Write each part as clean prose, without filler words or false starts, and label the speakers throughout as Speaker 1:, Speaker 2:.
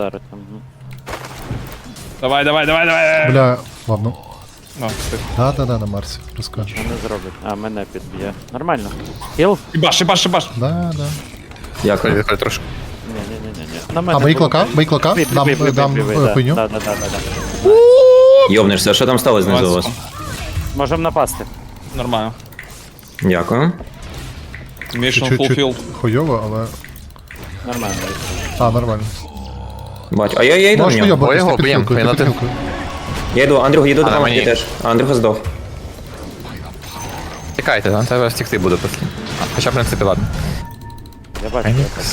Speaker 1: вдарити.
Speaker 2: Давай.
Speaker 3: Бля, ладно.
Speaker 2: Ну, все.
Speaker 3: Да, на Марсі, розкажеш.
Speaker 1: Що не зробить? А, мене підб'є. Нормально. Хіл?
Speaker 2: Шибаш.
Speaker 3: Да.
Speaker 4: Дякую, відходь трошки.
Speaker 1: Ні. На мене.
Speaker 3: А, бий клока? Дам хуйню.
Speaker 1: Да.
Speaker 4: Йобнешся, що там сталося знизу у вас?
Speaker 1: Можем напасти.
Speaker 2: Нормально.
Speaker 4: Дякую.
Speaker 2: Mission
Speaker 3: Чуть-чуть
Speaker 2: fulfilled.
Speaker 3: хуйово, але...
Speaker 1: Нормально.
Speaker 3: А, нормально.
Speaker 4: Бачу. А я йду в
Speaker 3: Можеш
Speaker 4: нього.
Speaker 3: хуйобатись,
Speaker 4: Його
Speaker 3: ти
Speaker 4: б'єм,
Speaker 3: підхилкою,
Speaker 4: він
Speaker 3: ти
Speaker 4: на те-
Speaker 3: підхилкою.
Speaker 4: Я йду, Андрюх, їду
Speaker 5: А, на
Speaker 4: допомогти
Speaker 5: мені.
Speaker 4: теж. А Андрюха здох.
Speaker 5: Тікайте, нам треба втекти буде після. Хоча, в принципі, ладно.
Speaker 1: Я бачу.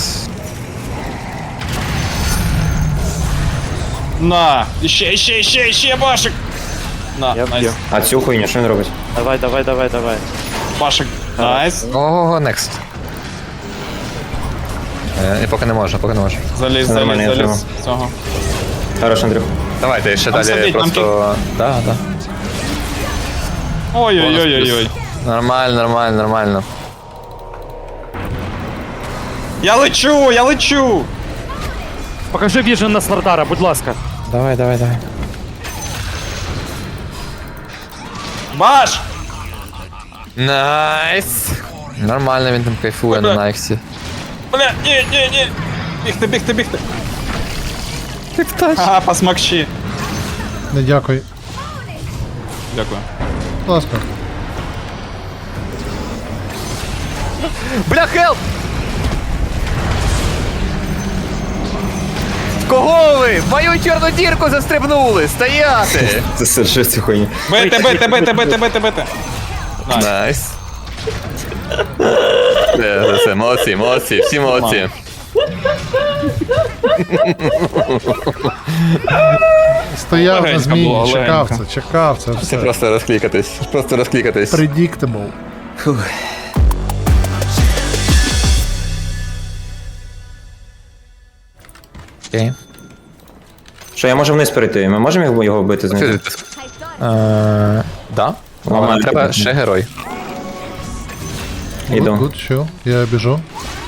Speaker 2: На! Іще башик! На,
Speaker 1: Я
Speaker 2: найс.
Speaker 1: вб'ю.
Speaker 4: А цю хуйню, що він робить?
Speaker 1: Давай.
Speaker 2: Башик. Найс.
Speaker 5: Ого, next. Поки не можна.
Speaker 2: Заліз.
Speaker 4: Нормально, я
Speaker 2: Цього.
Speaker 4: Хорош, Андрюх.
Speaker 5: Давайте ще
Speaker 2: Там
Speaker 5: далі
Speaker 2: сидить, там
Speaker 5: просто... Да.
Speaker 2: Ой-ой-ой.
Speaker 5: Нормально.
Speaker 2: Я лечу!
Speaker 1: Покажи віжен на Слардара, будь ласка.
Speaker 5: Давай.
Speaker 2: Баш!
Speaker 5: Найс! Нормально він там кайфує на Найксі.
Speaker 2: Бля, ні. Бігти.
Speaker 5: Ти птач.
Speaker 2: Ага, посмакші.
Speaker 3: Не дякую.
Speaker 2: Дякую.
Speaker 3: Будь ласка.
Speaker 5: Бля, хелп! Кого ви? В мою чорну дірку застрибнули! Стояти!
Speaker 4: Це все цю хуйню.
Speaker 2: Бити.
Speaker 5: Найс. Все, молодці, всі молодці.
Speaker 3: Стояв на
Speaker 2: Легенько
Speaker 3: зміні,
Speaker 2: було,
Speaker 3: чекав це
Speaker 5: Це
Speaker 3: все.
Speaker 5: просто розклікатись.
Speaker 3: Predictable.
Speaker 5: Окей.
Speaker 4: Що, я можу вниз перейти? Ми можемо його вбити знизу?
Speaker 5: Да.
Speaker 4: Нормально.
Speaker 5: Але треба ще герой.
Speaker 4: Іду.
Speaker 3: Good, chill. Я біжу.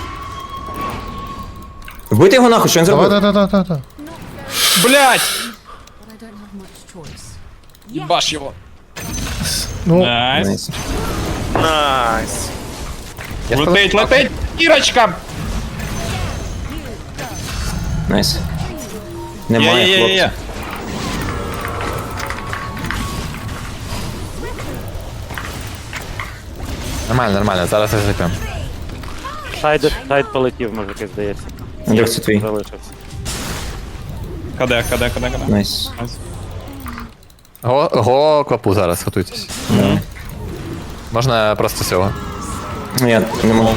Speaker 4: Вбити його нахуй, що він зробив?
Speaker 3: Да.
Speaker 2: Блять!
Speaker 6: I don't have much choice.
Speaker 2: Баш його.
Speaker 3: Ну,
Speaker 2: Найс.
Speaker 4: Найс.
Speaker 2: Летить! Ірочка!
Speaker 4: Найс. Немає хлопців.
Speaker 2: Є.
Speaker 5: Нормально, зараз зайдемо.
Speaker 1: Сайд полетів, мужики, здається.
Speaker 4: Андрюх, це твій.
Speaker 1: Залишився.
Speaker 2: Каде.
Speaker 4: Найс.
Speaker 5: Го клапу зараз, готуйтесь. Можна просто цього.
Speaker 4: Ну, я не можу.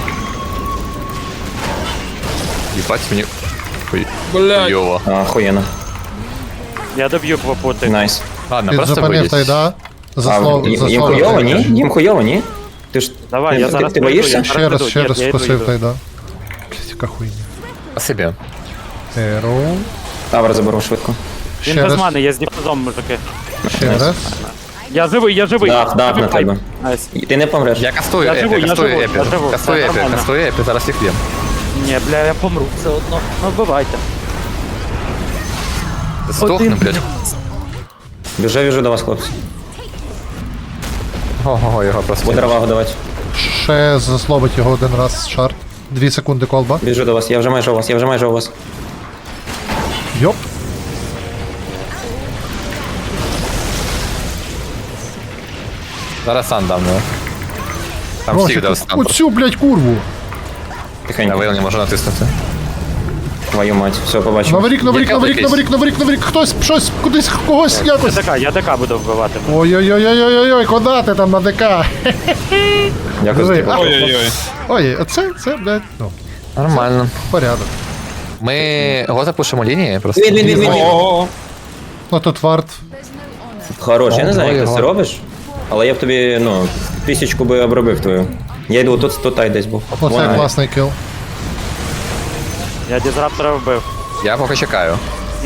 Speaker 5: Їбать мені.
Speaker 2: Блядь.
Speaker 5: Хуйово.
Speaker 4: Охуєнно.
Speaker 1: Я доб'ю попути.
Speaker 4: Найс.
Speaker 5: Ладно,
Speaker 3: ти
Speaker 5: просто
Speaker 3: зупинив
Speaker 5: вийдіть.
Speaker 3: тайда.
Speaker 4: Їм хуйово, ні? Їм хуйово, ні? Ти ж...
Speaker 1: Давай, я зараз
Speaker 4: Ти
Speaker 1: прийду,
Speaker 4: боїшся?
Speaker 1: я
Speaker 3: Ще раз
Speaker 1: я йду,
Speaker 3: скосив
Speaker 1: йду.
Speaker 3: тайда. Блять, яка хуйня.
Speaker 5: Спасибі.
Speaker 3: Еро.
Speaker 4: Тавр заберу швидко.
Speaker 1: Він
Speaker 3: Ще
Speaker 1: без
Speaker 3: раз.
Speaker 1: мани, я з діфузом, мужики.
Speaker 3: Ще раз.
Speaker 1: Я живий.
Speaker 4: Дах на тебе.
Speaker 1: Найс.
Speaker 4: Ти не помреш.
Speaker 5: Я кастую
Speaker 1: Я живу,
Speaker 5: епі,
Speaker 1: я живу.
Speaker 5: кастую епі, зараз їх б'єм.
Speaker 1: Ні, бля, я помру все одно. Ну, вбивайте.
Speaker 5: Здохну, блядь.
Speaker 4: Біжу до вас, хлопці.
Speaker 5: Ого, його просто.
Speaker 4: Буде равагу давати.
Speaker 3: Ще заслобить його один раз шарт. 2 секунди колба.
Speaker 4: Біжу до вас, я вже майже у вас.
Speaker 3: Йоп.
Speaker 5: Зараз сан дам, ну. Там
Speaker 3: Росик,
Speaker 5: всіх дав стан.
Speaker 3: оцю, блять, курву.
Speaker 5: Я
Speaker 4: Тихенько.
Speaker 5: вейл не можу натиснути.
Speaker 4: Твою мать, все, побачимо.
Speaker 3: Наворік, хтось, щось, кудись, когось, якось.
Speaker 1: Я ДК буду вбивати.
Speaker 3: Ой-ой-ой-ой-ой, куди ти там на ДК?
Speaker 4: Дякую за
Speaker 3: Диви,
Speaker 4: тебе.
Speaker 2: Ой-ой-ой.
Speaker 3: Ой, це, блядь, ну,
Speaker 5: Нормально.
Speaker 3: порядок.
Speaker 5: Ми го запушимо лінії просто.
Speaker 4: Він.
Speaker 2: Ого.
Speaker 3: Ну тут варт.
Speaker 4: Хорош, я не знаю, як ти
Speaker 5: його.
Speaker 4: це робиш, але я б тобі, 1000 би обробив твою. Я йду, тут тай десь був.
Speaker 3: Оце
Speaker 4: Вона-
Speaker 3: класний кіл.
Speaker 1: Я дізраптора вбив.
Speaker 5: Я поки чекаю.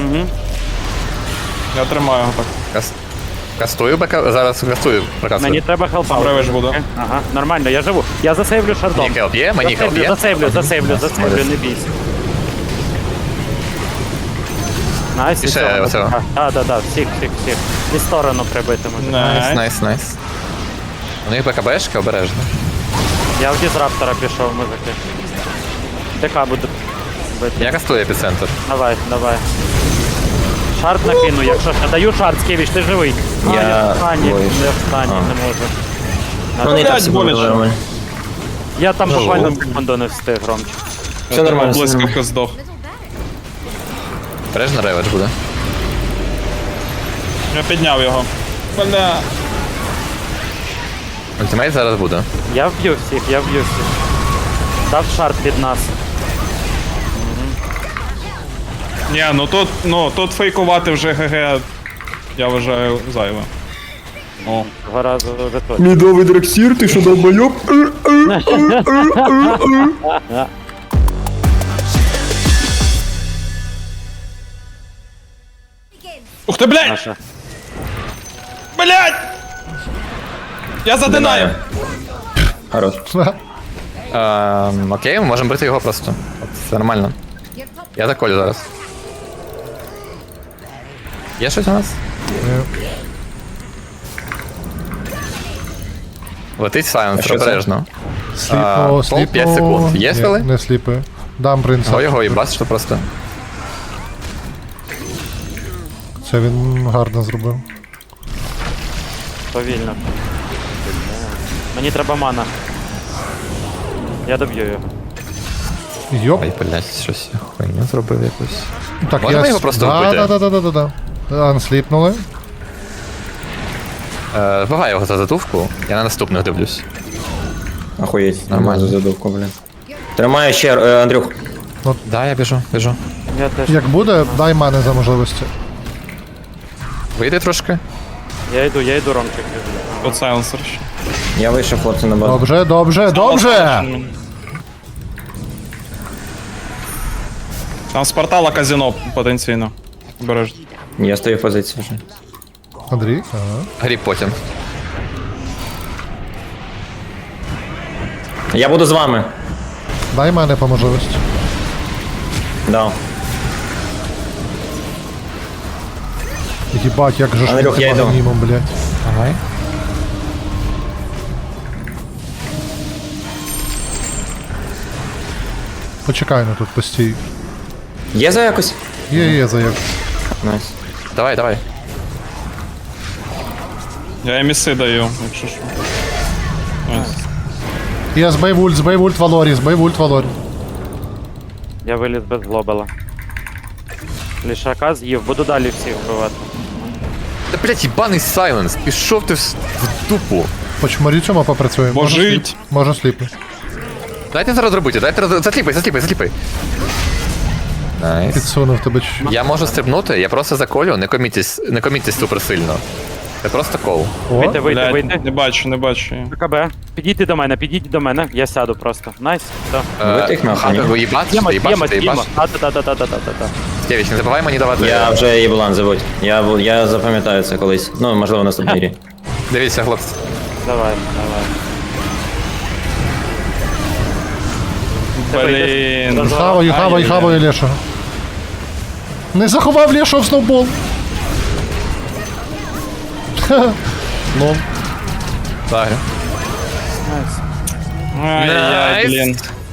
Speaker 2: Я тримаю його так.
Speaker 5: Кастую БК, зараз кастую.
Speaker 1: Мені треба хелпа.
Speaker 2: Правиш буду.
Speaker 1: Ага, нормально, я живу. Я засейвлю шардом.
Speaker 5: Мені хелп є, мені хелп є.
Speaker 1: Засейвлю, не бійся. Найс,
Speaker 7: І ще
Speaker 1: цього
Speaker 7: оцього.
Speaker 1: Так, всіх. І сторону прибити може.
Speaker 2: Найс.
Speaker 7: Найс. У них БКБшки обережно.
Speaker 1: Я в дізраптора пішов, мужики. ТК буду бити.
Speaker 7: Я кастую епіцентр.
Speaker 1: Давай. Шарт накину, якщо ще даю шарт, Скевіч, ти живий.
Speaker 4: Я-
Speaker 1: в стані,
Speaker 4: Ой.
Speaker 1: не в стані,
Speaker 4: А.
Speaker 1: не можу.
Speaker 4: Ну, не так
Speaker 2: Блядь,
Speaker 4: все
Speaker 2: боляче.
Speaker 4: було нормально.
Speaker 1: Я там буквально секунду не встиг, Ромчик.
Speaker 4: Все нормально, все нормально.
Speaker 2: Блискавка здох.
Speaker 7: Обережно реведж буде.
Speaker 2: Я підняв його. Бля.
Speaker 7: Ультимейт зараз буде.
Speaker 1: Я вб'ю всіх. Дав шарт під нас.
Speaker 2: Ні, тут фейкувати вже ГГ, я вважаю, зайве. О.
Speaker 1: Два рази вже точно.
Speaker 4: Мідовий драксір, ти що долбойоб?
Speaker 2: Ух ти, блядь!
Speaker 1: Наша.
Speaker 2: Блядь! Я задинаю!
Speaker 4: Хорош.
Speaker 7: Окей, ми можемо бити його просто. От, це нормально. Я заколю зараз. Є щось у нас? Летить сайленсер,
Speaker 4: що це?
Speaker 7: обережно.
Speaker 3: Сліпо,
Speaker 7: пол 5 секунд. Є
Speaker 3: Ні,
Speaker 7: спели?
Speaker 3: не сліпи. Дам принца.
Speaker 7: Го його і бачиш, просто.
Speaker 3: Це він гарно зробив.
Speaker 1: Повільно. Мені треба мана. Я доб'ю його.
Speaker 3: Йоп.
Speaker 7: Ой, блядь, щось я хуйню зробив якусь.
Speaker 3: Так,
Speaker 7: Можемо його просто вбити?
Speaker 3: Да. Ансліпнули.
Speaker 7: Вбивай його за затувку, я на наступних дивлюсь.
Speaker 4: Охуєть,
Speaker 7: Нормально.
Speaker 4: нормально задувку, блін. Тримаю ще, Андрюх.
Speaker 7: Да, я біжу.
Speaker 1: Я теж.
Speaker 3: Як буде, дай мене за можливості.
Speaker 7: Вийди трошки.
Speaker 1: Я йду, Ромчик.
Speaker 2: Тут сайленсер ще.
Speaker 4: Я вийшов, хлопці, на базу.
Speaker 3: Добре!
Speaker 2: Там з портала казино потенційно. Бережно.
Speaker 4: Я стою в позиції вже.
Speaker 3: Андрій, ага.
Speaker 7: Гріб потім.
Speaker 4: Я буду з вами.
Speaker 3: Дай мене по можливості.
Speaker 4: Да.
Speaker 3: Їбать, як же ж
Speaker 4: Андрюх,
Speaker 3: ти
Speaker 4: я йду.
Speaker 3: магнімом, блядь.
Speaker 7: Давай.
Speaker 3: Почекай на тут постій.
Speaker 4: Є за якось?
Speaker 3: Є, заяк.
Speaker 4: Найс.
Speaker 7: Давай.
Speaker 2: Я еміси даю, якщо що. Ось.
Speaker 3: Я збей вульт Валорі.
Speaker 1: Я виліз без глобала. Лішака з'їв, буду далі всіх вбивати.
Speaker 7: Та, блядь, їбаний сайленс, пішов ти в дупу.
Speaker 3: Почмарю цьому попрацюємо.
Speaker 2: Божить.
Speaker 3: Можна сліпи.
Speaker 7: Дайте зараз робити, засліпай. Найс.
Speaker 3: Підсунув тебе чуть-чуть.
Speaker 7: Я можу стрибнути, я просто заколю, не комітьтесь супер сильно. Це просто кол.
Speaker 3: О,
Speaker 1: Вийти.
Speaker 2: Блядь, не бачу.
Speaker 1: КБ. Підійди до мене, я сяду просто. Найс, все.
Speaker 4: Ви тих нахуй, ні?
Speaker 7: Ви їбачите.
Speaker 1: Та.
Speaker 7: Скевіч, не забувай мені давати.
Speaker 4: Я вже Єблан забудь. Я запам'ятаю це колись. Ну, можливо, в наступній грі.
Speaker 7: Дивіться, хлопці.
Speaker 1: Давай.
Speaker 2: Блін.
Speaker 3: Хаваю Лешого. Не заховав Лешого в сноубол. Лол.
Speaker 7: Так.
Speaker 2: Ай-яй, блін.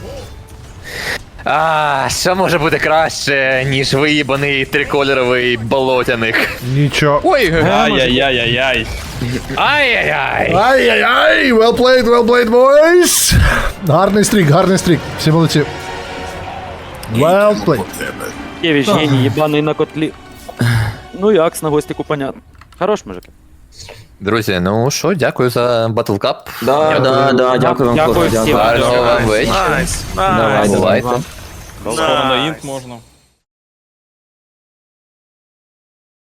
Speaker 7: Що може бути краще, ніж виїбаний трикольоровий болотяник?
Speaker 3: Нічого.
Speaker 7: Ой,
Speaker 2: Ай-яй-яй-яй-яй.
Speaker 7: ай-яй-яй.
Speaker 3: Ай-яй-яй, well played, boys. Гарний стрік. Всі молодці. Well played.
Speaker 1: Кевич, геній, єбаний на котлі. Ну як, на гостіку понятно. Хорош, мужик.
Speaker 7: Друзі, ну що, дякую за Battle Cup.
Speaker 4: Да, дякую вам,
Speaker 1: Дякую
Speaker 4: хлопці,
Speaker 1: всім.
Speaker 4: дякую.
Speaker 7: Гарного вам вечора.
Speaker 4: Давай,
Speaker 7: Бувайте.
Speaker 2: Скоро на інт можна.